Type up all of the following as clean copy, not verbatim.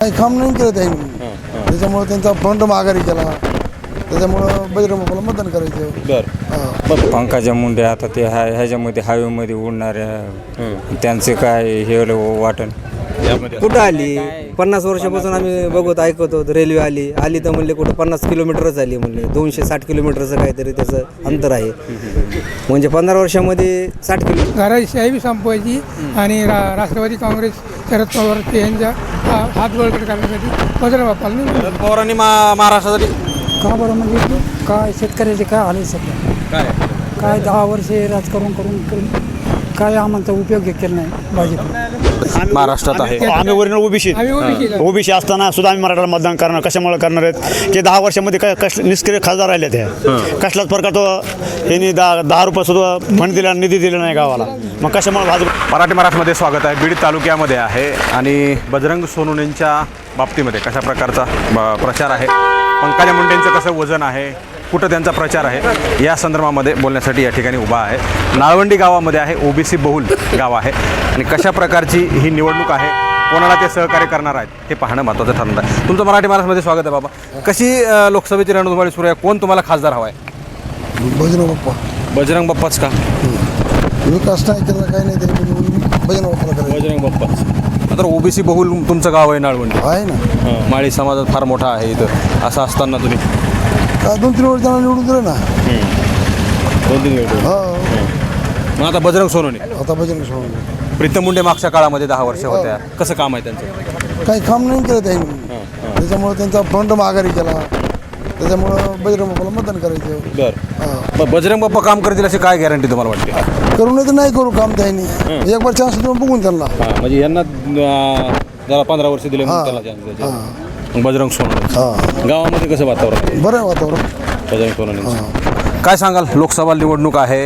काही काम नाही केलं त्यांनी. त्याच्यामुळे त्यांचा फंड माघारी केला. त्याच्यामुळं बजरंग बाप्पाला मतदान करायचं. पंकजा मुंडे आता ते ह्याच्यामध्ये हायवेमध्ये उडणाऱ्या त्यांचे काय हे वाटण कुठं आली 50 वर्षापासून आम्ही बघत ऐकत होतो. रेल्वे आली तर म्हणले कुठं 50 किलोमीटरच आली म्हणले. 260 किलोमीटरचं काहीतरी त्याचं अंतर आहे. म्हणजे 15 वर्षामध्ये 60 किलोमीटर. घराशाही बी संपवायची आणि राष्ट्रवादी काँग्रेस शरद पवार यांच्या हात बळकट करण्यासाठी बजरंग बाप्पाला पवारांनी महाराष्ट्रासाठी का बरं म्हणजे काय शेतकऱ्याचे काय आले सध्या काय 10 वर्षे राजकारण करून काय आम्हाला उपयोग केला नाही भाजप महाराष्ट्रात आहे. आम्ही ओरिजिनल ओबीसी असताना सुद्धा आम्ही मराठाला मतदान करणार. कशामुळे करणार आहेत की 10 वर्षामध्ये काय निष्क्रिय खासदार राहिले ते कसलाच प्रकार तो यांनी 10 रुपये सुद्धा फंड दिला निधी दिला नाही गावाला. मग कशामुळे भाजप मराठी महाराष्ट्रामध्ये स्वागत आहे. बीड तालुक्यामध्ये आहे आणि बजरंग सोनवणेंच्या बाबतीमध्ये कशा प्रकारचा प्रचार आहे, पंकजा मुंडेंचं कसं वजन आहे, कुठं त्यांचा प्रचार आहे या संदर्भामध्ये बोलण्यासाठी या ठिकाणी उभा आहे. नाळवंडी गावामध्ये आहे. ओबीसी बहुल गाव आहे आणि कशा प्रकारची ही निवडणूक आहे, कोणाला ते सहकार्य करणार आहेत हे पाहणं महत्त्वाचं ठरणार आहे. तुमचं मराठी महाराष्ट्रामध्ये स्वागत आहे बाबा. कशी लोकसभेची रणधुमाळी सुरू आहे? कोण तुम्हाला खासदार हवा आहे? बजरंग बाप्पा. बजरंग बाप्पाच का? विकास नाही केला काही नाही त्याने बजरंग बाप्पाला करायचं. बजरंग बाप्पाच. तर ओबीसी बहुल तुमचं गाव आहे नाळवंडी आहे ना. माळी समाजात फार मोठा आहे इथं. असं असताना तुम्ही का 2-3 वर्ष त्यांना निवडून दिलं ना. 2-3 वेळ. मग आता बजरंग सोनवणे, आता बजरंग सोनवणे प्रीतम मुंडे मागच्या काळामध्ये 10 वर्ष होत्या. कसं काम आहे त्यांचं? काही काम नाही केलं त्यांनी. त्याच्यामुळे त्यांचा फंड माघारी केला. त्याच्यामुळं बजरंग बाप्पाला मतदान करायचं. मग बजरंग बाप्पा काम करतील अशी काय गॅरंटी तुम्हाला वाटते? करू नाही तर नाही करू काम त्यांनी. एक बार चान्स देऊन बघून त्यांना. म्हणजे यांना जरा 15 वर्ष दिले म्हणून त्याला chance द्यायचे. मग बजरंग सोनवणे गावामध्ये कसं वातावरण आहे? बरं आहे वातावरण. बजरंग सोनवणे काय सांगाल? लोकसभा निवडणूक आहे.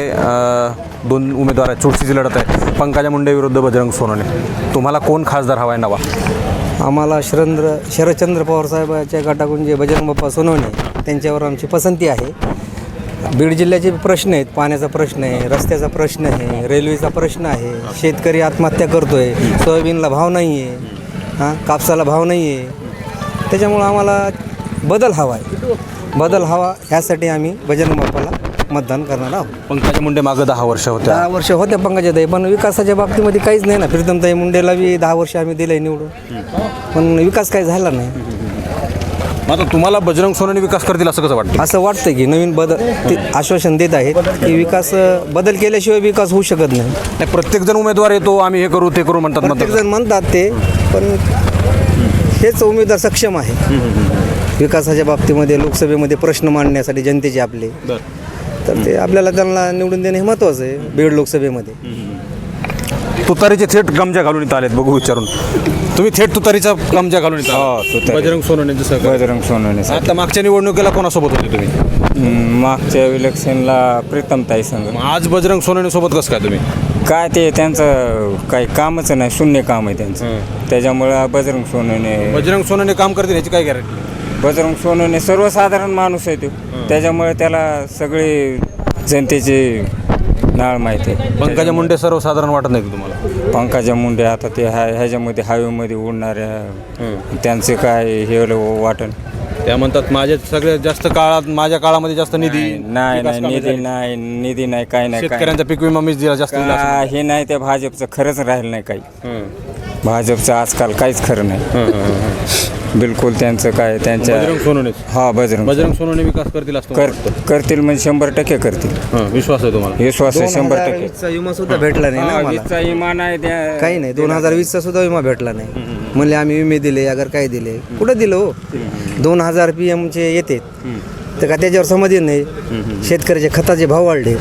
2 उमेदवार आहेत. चुरशीची लढत आहे. पंकजा मुंडे विरुद्ध बजरंग सोनवणे. तुम्हाला कोण खासदार हवा आहे नवा? आम्हाला शरदचंद्र पवार साहेबाच्या गटाकडून जे बजरंग बाप्पा सोनवणे त्यांच्यावर आमची पसंती आहे. बीड जिल्ह्याचे प्रश्न आहेत. पाण्याचा प्रश्न आहे, रस्त्याचा प्रश्न आहे, रेल्वेचा प्रश्न आहे. शेतकरी आत्महत्या करतो आहे. सोयाबीनला भाव नाही आहे, कापसाला भाव नाही आहे. त्याच्यामुळं आम्हाला बदल हवा आहे. बदल हवा ह्यासाठी आम्ही बजरंग बाप्पाला मतदान करणार आहोत. पंकजा मुंडे मागं 10 वर्ष होत्या. 10 वर्ष होत्या पंकजाताई, पण विकासाच्या बाबतीमध्ये काहीच नाही ना. प्रीतमताई मुंडेला बी 10 वर्ष आम्ही दिलं आहे निवडून, पण विकास काही झाला नाही. आता तुम्हाला बजरंग सोनवणे विकास करतील असं कसं वाटतं? असं वाटतं की नवीन बदल ते आश्वासन देत आहेत की विकास बदल केल्याशिवाय विकास होऊ शकत नाही. प्रत्येकजण उमेदवार येतो, आम्ही हे करू ते करू म्हणतात. प्रत्येकजण म्हणतात ते, पण हेच उमेदवार सक्षम आहे विकासाच्या बाबतीमध्ये. लोकसभेमध्ये प्रश्न मांडण्यासाठी जनतेचे आपले, तर ते आपल्याला त्यांना निवडून देणे हे महत्त्वाचं आहे. बीड लोकसभेमध्ये तुतारीचे थेट गमजा घालून इथं आलेत. बघू विचारून तुम्ही थेट तुतारीचा गमजा घालून इथं आलात. बजरंग सोनवणेंचं सहकार्य. बजरंग सोनवणे. आता मागच्या निवडणुकीला कोणासोबत होते तुम्ही? मागच्या इलेक्शनला प्रीतमताई संघ. आज बजरंग सोनवणे सोबत कसं काय तुम्ही? काय ते त्यांचं काही कामच नाही, शून्य काम आहे त्यांचं. त्याच्यामुळं बजरंग सोनवणे काम करतील ह्याची काय गॅरंटी? बजरंग सोनवणे सर्वसाधारण माणूस आहे तो. त्याच्यामुळे त्याला सगळे जनतेची नाळ माहिती आहे. पंकजा मुंडे सर्वसाधारण वाटत नाही तुम्हाला? पंकजा मुंडे आता ते ह्याच्यामध्ये हायवेमध्ये उडणाऱ्या त्यांचे काय हे वाटण. त्या म्हणतात माझ्या सगळ्यात जास्त काळात, माझ्या काळामध्ये जास्त निधी नाही, निधी नाही, काय नाही. शेतकऱ्यांचा पीक विमा मीच दिला जास्त. हे नाही, त्या भाजपचं खरंच राहिलं नाही काही. भाजपचं आजकाल काहीच खरं नाही बिलकुल. त्यांचं काय त्यांच्या बजरंग सोनवणे. बजरंग सोनवणे विकास करतील असं करतील म्हणजे 100% करतील. विश्वास आहे तुम्हाला? विश्वास आहे 100%. चा विमा सुद्धा भेटला नाही ना आम्हाला. चा विमा नाही, काही नाही. 2020चा सुद्धा विमा भेटला नाही. म्हणले आम्ही विमे दिले, अगर काय दिले, कुठं दिलं हो? 2000 PM येते तर का त्याच्यावर समाधान नाही. शेतकऱ्याचे खताचे भाव वाढले.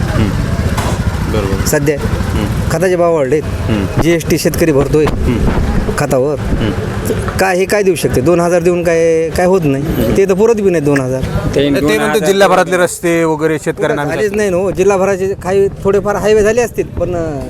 बरोबर. सध्या खताचे भाव वाढले. GST शेतकरी भरतोय खतावर. काय हे काय देऊ शकते? 2000 देऊन काय होत नाही. ते तर पुरत बी नाही 2000. ते म्हणते जिल्हाभरातले रस्ते वगैरे शेतकऱ्यांना झालेच नाही ना. जिल्हाभराचे काही थोडेफार हायवे झाले असतील, पण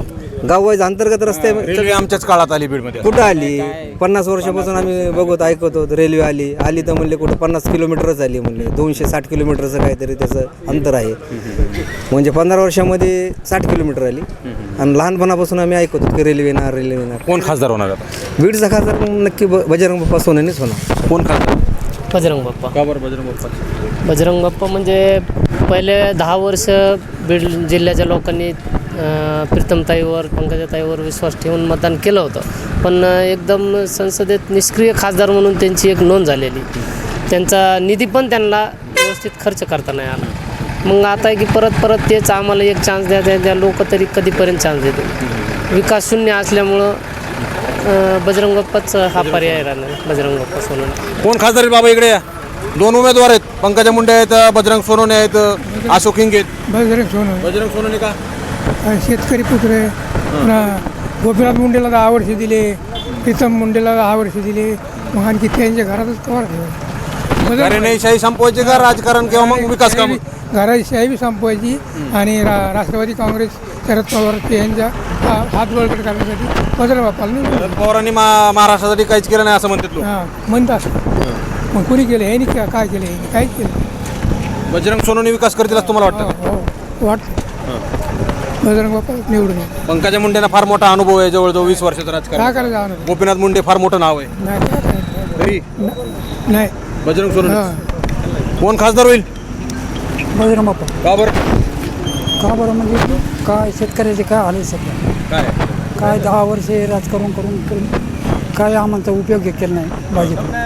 गाववाईज अंतर्गत रस्ते रेल्वे आमच्याच काळात आली बीडमध्ये. कुठं आली 50 वर्षापासून आम्ही बघत ऐकत होतो. रेल्वे आली तर म्हणले कुठं 50 किलोमीटरच आली म्हणले. 260 किलोमीटरचं काहीतरी त्याचं अंतर आहे. म्हणजे 15 वर्षामध्ये 60 किलोमीटर आली. आणि लहानपणापासून आम्ही ऐकत होतो की रेल्वे येणार. कोण खासदार होणार आता? बीडचा खासदार नक्की बजरंग बाप्पा सोनवणेच होणार. कोण खासदार? बजरंग बाप्पा. का बरं बजरंग बाप्पा? बजरंग बाप्पा म्हणजे पहिले 10 वर्ष बीड जिल्ह्याच्या लोकांनी प्रीतमताईवर पंकजाताईवर विश्वास ठेवून मतदान केलं होतं. पण एकदम संसदेत निष्क्रिय खासदार म्हणून त्यांची एक नोंद झालेली. त्यांचा निधी पण त्यांना व्यवस्थित खर्च करता नाही आला. मग आता आहे की परत तेच आम्हाला एक चान्स द्या लोक तरी कधीपर्यंत चान्स देते. विकास शून्य असल्यामुळं बजरंग बाप्पाच हा पर्याय राहणार. बजरंग बाप्पा सोनवणे. कोण खासदार आहे बाबा? इकडे या. 2 उमेदवार आहेत. पंकजा मुंडे आहेत, बजरंग सोनवणे आहेत, अशोक हिंगे आहेत. बजरंग सोनवणे. बजरंग सोनवणे का? शेतकरी पुत्र आहे. पुन्हा गोपीनाथ मुंडेला 10 वर्ष दिले, प्रीतम मुंडेला 10 वर्ष दिले. मग आणखी त्यांच्या घरातच कवर ठेवा. घराणेशाही संपवायची का राजकारण किंवा मग विकास काम? घराची शाही बी संपवायची आणि राष्ट्रवादी काँग्रेस शरद पवार यांच्या हात बळकट करण्यासाठी बजरंग बाप्पाला निवडून. शरद पवारांनी महाराष्ट्रासाठी काहीच केलं नाही असं म्हणतात लोक. हां म्हणतात. मग कुणी केलं? हे नाही काय केलं? हे काहीच केलं. बजरंग सोनवणे विकास करतील असं तुम्हाला वाटतं? हो वाटतं. बजरंग बाप्पा निवडून येईल. पंकजा मुंडेंना फार मोठा अनुभव आहे, जवळजवळ 20 वर्षाचा राजकारण. काय करायचं आम्हाला? गोपीनाथ मुंडे फार मोठं नाव आहे. नाही काय करायचं? तरी नाही. बजरंग सोनवणे. हां कोण खासदार होईल? बजरंग बाप्पा. का बरं? का बरं म्हणजे काय शेतकऱ्याचे काय आले सध्या. काय 10 वर्षे राजकारण करून काय आम्हाला उपयोग केला नाही भाजप.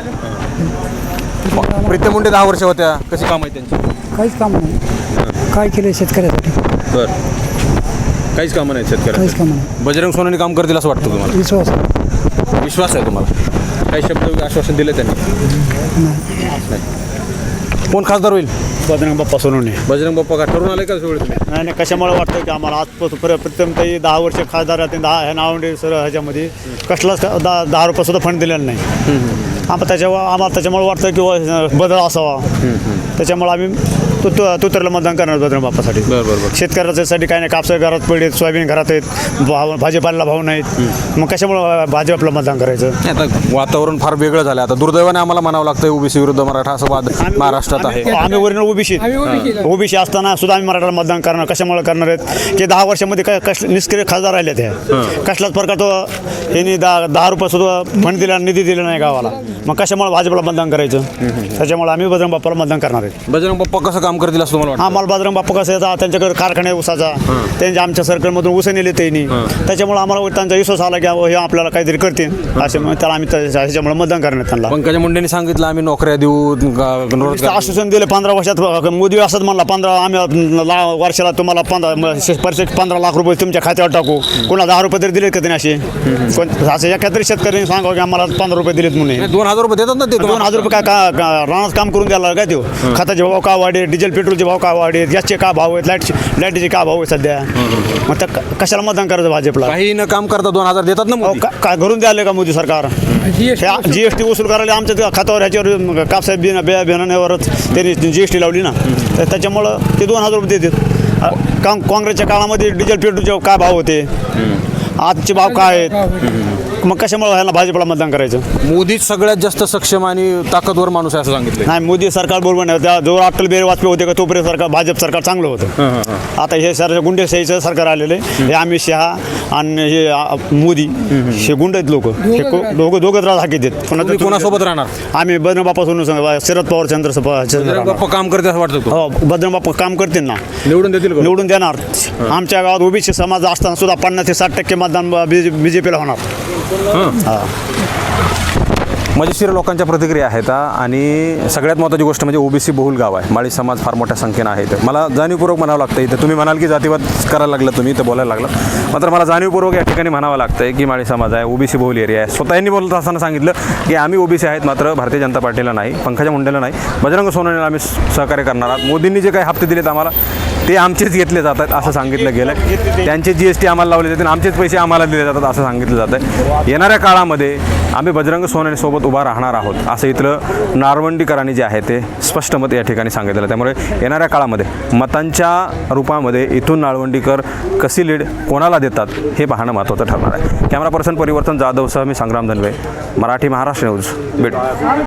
प्रीतम मुंडे 10 वर्ष होत्या. कशी काम आहे त्यांची? काहीच काम नाही. काय केलं शेतकऱ्यासाठी? बरं, काहीच कामं नाही काहीच शेतकऱ्याला. काम नाही. बजरंग सोनवणे काम करतील असं वाटतं तुम्हाला? विश्वास आहे तुम्हाला? काही शब्द आश्वासन दिले त्यांनी? नाही. कोण खासदार होईल? बजरंग बाप्पा सोनवणे. बजरंग बाप्पा का ठरून आले का सगळे तुम्ही? नाही कशामुळे वाटतं की आम्हाला आज प्रथम काही 10 वर्ष खासदार राहते 10 ह्या नावंडे सर ह्याच्यामध्ये कसलाच 10 रुपये फंड दिलेला नाही. आम्हाला त्याच्यामुळे वाटतं की बदल असावा. त्याच्यामुळे आम्ही तुतरला मतदान करणार बजरंग बाप्पासाठी. बरं. शेतकऱ्यासाठी काय नाही. कापसा घरात पडलेत, सोयाबीन घरात आहेत, भाजीपाल्याला भाव नाहीत. मग कशामुळे भाजपला मतदान करायचं? आता वातावरण फार वेगळं झालं. आता दुर्दैवाने आम्हाला म्हणावं लागतं ओबीसी विरुद्ध मराठा असं वाद महाराष्ट्रात आहे. आम्ही वरील ओबीसी असताना सुद्धा आम्ही मराठाला मतदान करणार. कशामुळे करणार आहेत की 10 वर्षामध्ये निष्क्रिय खासदार राहिले ते. कसलाच प्रकार तो यांनी 10 रुपये सुद्धा फंड दिला, निधी दिला नाही गावाला. मग कशामुळे भाजपला मतदान करायचं? त्याच्यामुळे आम्ही बजरंग बाप्पाला मतदान करणार आहे. बजरंग बाप्पा कसं काम करतील असं तुम्हाला वाटतं? आम्हाला बजरंग बाप्पा कसं येतात, त्यांच्याकडे कारखाने ऊसाचा, त्यांच्या आमच्या सर्कलमधून ऊस नेले त्यांनी. त्याच्यामुळे आम्हाला त्यांचा विश्वास आला की हे आपल्याला काहीतरी करतील असे. त्याला आम्ही त्याच्यामुळे मतदान करणार त्यांना. पंकजा मुंडेंनी सांगितलं आम्ही नोकऱ्या देऊ, आश्वासन दिले 15 वर्षात. मोदी असंच म्हणला 15 आम्ही वर्षाला तुम्हाला 15 लाख रुपये तुमच्या खात्यावर टाकू. कोणा 10 रुपये तरी दिलेत का त्यांनी असे? असं एखाद्या शेतकऱ्यांनी सांगावं की आम्हाला 15 रुपये दिलेत म्हणून. 2000 रुपये देतात ना ते. 2000 रुपये काय रानात काम करून द्यायला काय देऊ? खताचे भाव का वाढे, डिझेल पेट्रोलचे भाव का वाढे, गॅसचे का भाव आहेत, लाईटचे का भाव आहेत सध्या. मग त्या कशाला मतदान करायचं भाजपला? काही न काम करता 2000 देतात ना मोदी. काय घरून द्यायला का मोदी सरकार? जीएसटी वसूल करायला आमच्या खात्यावर ह्याच्यावर कापसाहेब बियाण्यावरच त्यांनी जीएसटी लावली ना. तर त्याच्यामुळं ते 2000 रुपये देतात. काँग्रेसच्या काळामध्ये डिझेल पेट्रोलचे काय भाव होते, आजचे भाव काय आहेत? मग कशामुळे ह्याला भाजपला मतदान करायचं? मोदीच सगळ्यात जास्त सक्षम आणि ताकदवर माणूस आहे असं सांगितलं. नाही, मोदी सरकार बरोबर नाही. जो अटल बिहारी वाजपेयी होते का तोपर्यंत सरकार भाजप सरकार चांगलं होतं. आता हे गुंडेशाहीचं सरकार आलेलं आहे. हे अमित शहा आणि हे मोदी हे गुंड आहेत लोक. हे दोघं त्रास हाकीत आहेत. तुम्ही कोणासोबत राहणार? आम्ही बजरंग बाप्पा सोनवणे, शरद पवार बजरंग बाप्पा काम करते असं वाटतं? हो, बजरंग बाप्पा काम करतील ना. निवडून देतील का? निवडून देणार. आमच्या गावात ओबीसी समाज असताना सुद्धा 50 ते 60% मतदान बीजेपीला होणार. मजेशीर लोकांच्या प्रतिक्रिया आहेत. आणि सगळ्यात महत्त्वाची गोष्ट म्हणजे ओबीसी बहुल गाव आहे. माळी समाज फार मोठ्या संख्येनं आहे. मला जाणीवपूर्वक म्हणावं लागतं. इथं तुम्ही म्हणाल की जातीवाद करायला लागलं, तुम्ही इथं बोलायला लागलं. मात्र मला जाणीवपूर्वक या ठिकाणी म्हणावं लागतं की माळी समाज आहे, ओबीसी बहुल एरिया आहे. स्वतःनी बोलत असताना सांगितलं की आम्ही ओबीसी आहेत, मात्र भारतीय जनता पार्टीला नाही, पंकजा मुंडेला नाही, बजरंग सोनवणेला आम्ही सहकार्य करणार आहात. मोदींनी जे काही हप्ते दिलेत आम्हाला ते आमचेच घेतले जातात असं सांगितलं गेलं. त्यांचे GST आम्हाला लावले जाते आणि आमचेच पैसे आम्हाला दिले जातात असं सांगितलं जातं आहे. येणाऱ्या काळामध्ये आम्ही बजरंग सोनवणेसोबत उभा राहणार आहोत असं इथलं नाळवंडीकरांनी जे आहे ते स्पष्ट मत या ठिकाणी सांगितलं. त्यामुळे येणाऱ्या काळामध्ये मतांच्या रूपामध्ये इथून नाळवंडीकर कशी लीड कोणाला देतात हे पाहणं महत्त्वाचं ठरणार आहे. कॅमेरा पर्सन परिवर्तन जाधवसह मी संग्राम धनवे, मराठी महाराष्ट्र न्यूज, बीड.